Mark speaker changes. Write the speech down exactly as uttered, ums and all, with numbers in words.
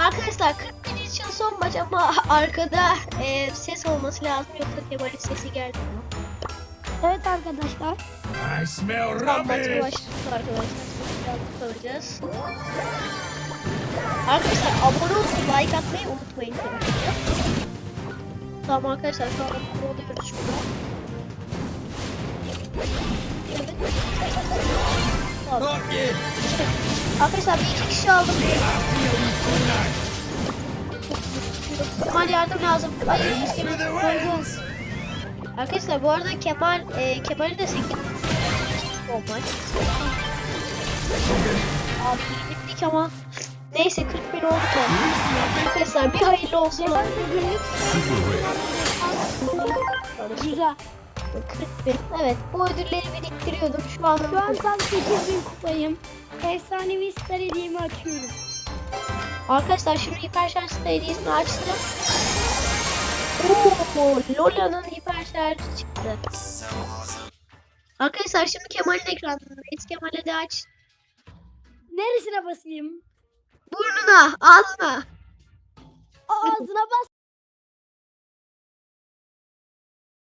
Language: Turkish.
Speaker 1: Arkadaşlar kırk bin için son maç ama arkada e, ses olması lazım yoksa Kemal'in sesi geldi.
Speaker 2: Evet arkadaşlar.
Speaker 3: I smell
Speaker 1: Tam maçı
Speaker 3: rubbish.
Speaker 1: başladık arkadaşlar. Biraz kalacağız. Arkadaşlar abone olup like atmayı unutmayın. Tamam arkadaşlar şu an abone oluyoruz şurada. Evet. Tamam.
Speaker 3: Not yet.
Speaker 1: Arkadaşlar bir iki kişi aldım. Kemal yardım lazım. Hayır,
Speaker 3: Through the wings.
Speaker 1: arkadaşlar bu arada Kemal e, Kemal'i de sekiz olmak. Abi bittik ama neyse kırk bin oldu da. Arkadaşlar bir hayırlı olsun.
Speaker 2: Ben de günlük güzel.
Speaker 1: kırk bin. Evet bu ödülleri biriktiriyordum. Şu an
Speaker 2: Şu an tam sekiz bin kupayım. Efsanevi star hediyemi açıyorum.
Speaker 1: arkadaşlar şimdi hiper şarj hediyesini açtım. Oo, Lola'nın hiper şarjı çıktı. Arkadaşlar şimdi Kemal'in ekranındayız. Kemal'e de aç.
Speaker 2: Neresine basayım?
Speaker 1: Burnuna, ağzına.
Speaker 2: Ağzına bas.